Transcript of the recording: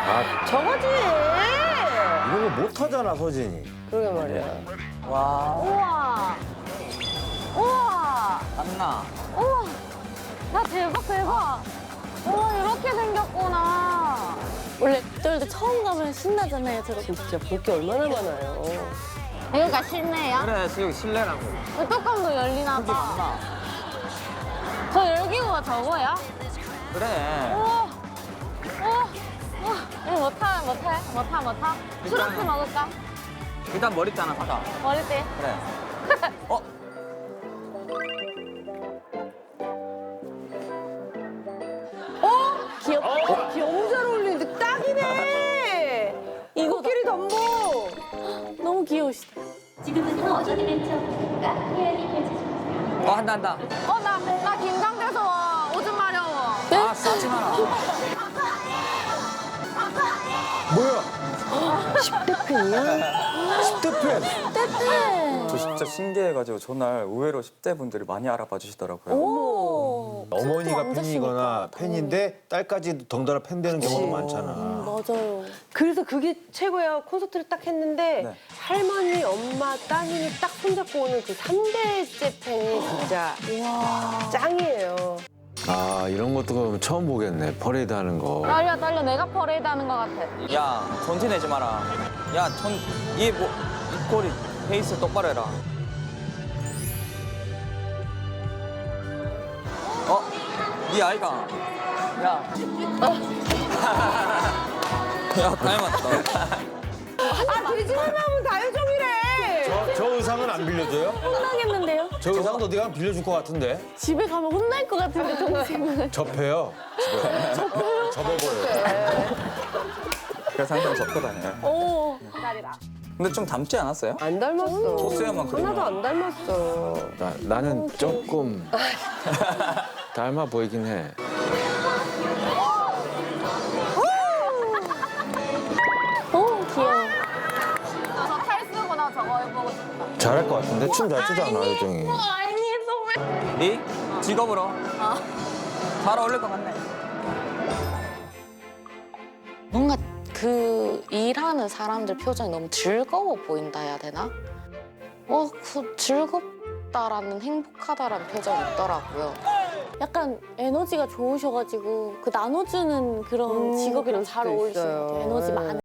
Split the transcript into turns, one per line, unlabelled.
저거지.
이런 거 못하잖아, 서진이.
그러게 말이야.
와,
우와. 우와.
땀나.
우와. 나 대박 대박. 우와 이렇게 생겼구나. 원래 저럴 처음 가면 신나잖아요. 저렇게.
진짜 볼 게 얼마나 많아요.
여기가 실내야?
그래, 여기 실내라고.
그 뚜껑도 열리나
크기
봐.
많나?
저 열기구가 저거야?
그래.
우와. 우와. 우와. 이거 못 타? 추러스 먹을까?
일단 머리 따나 가자.
머리띠.
그래. 어?
귀엽다.
너무 잘 어울리는데 딱이네. 코끼리 덤보.
너무 귀여우시다.
지금부터 어드벤처가 해야지 펼쳐집니다.
한다.
나 긴장돼서 와. 오줌 마려워.
아, 싸지 마라.
뭐야?
10대 팬이야?
10대 팬.
떼떼.
저 진짜 신기해가지고 전날 의외로 10대 분들이 많이 알아봐 주시더라고요.
오.
어머니가
안
팬이거나
됐으니까.
팬인데 딸까지 덩달아 팬 되는 경우도 많잖아.
맞아요.
그래서 그게 최고야. 콘서트를 딱 했는데
네.
할머니, 엄마, 따님이 딱 손잡고 오는 그 3대째 팬이 진짜 짱이에요.
아, 이런 것도 그럼 처음 보겠네. 퍼레이드 하는 거.
떨려. 내가 퍼레이드 하는 것 같아.
야, 전티 내지 마라. 야, 입꼬리 페이스 똑바로 해라. 이 아이가. 야. 야, 닮았다.
아, 돼지만 나오면 다효정이래.
저 의상은 안 빌려줘요?
혼나겠는데요?
저 의상은 어디 가면 빌려줄 것 같은데?
집에 가면 혼날 것 같은데 동생은.
접해요. 접어버려요.
그래서 항상 접고 다녀요.
오. 딸이다.
근데 좀 닮지 않았어요?
안 닮았어.
토스야만 그리면.
하나도 안 닮았어.
나는 조금 닮아 보이긴 해.
오 귀여워. 저 탈 쓰고 나 저거 해보고 싶다.
잘할 것 같은데? 춤 잘 추잖아, 요정이.
네 직업으로. 잘 어울릴 것 같네.
뭔가 그 일하는 사람들 표정이 너무 즐거워 보인다 해야 되나? 그 즐겁다라는 행복하다라는 표정이 있더라고요.
약간 에너지가 좋으셔가지고 그 나눠주는 그런 직업이랑 잘
그럴 수도
어울리시는 것
있어요.
같아요. 에너지
네.
많은.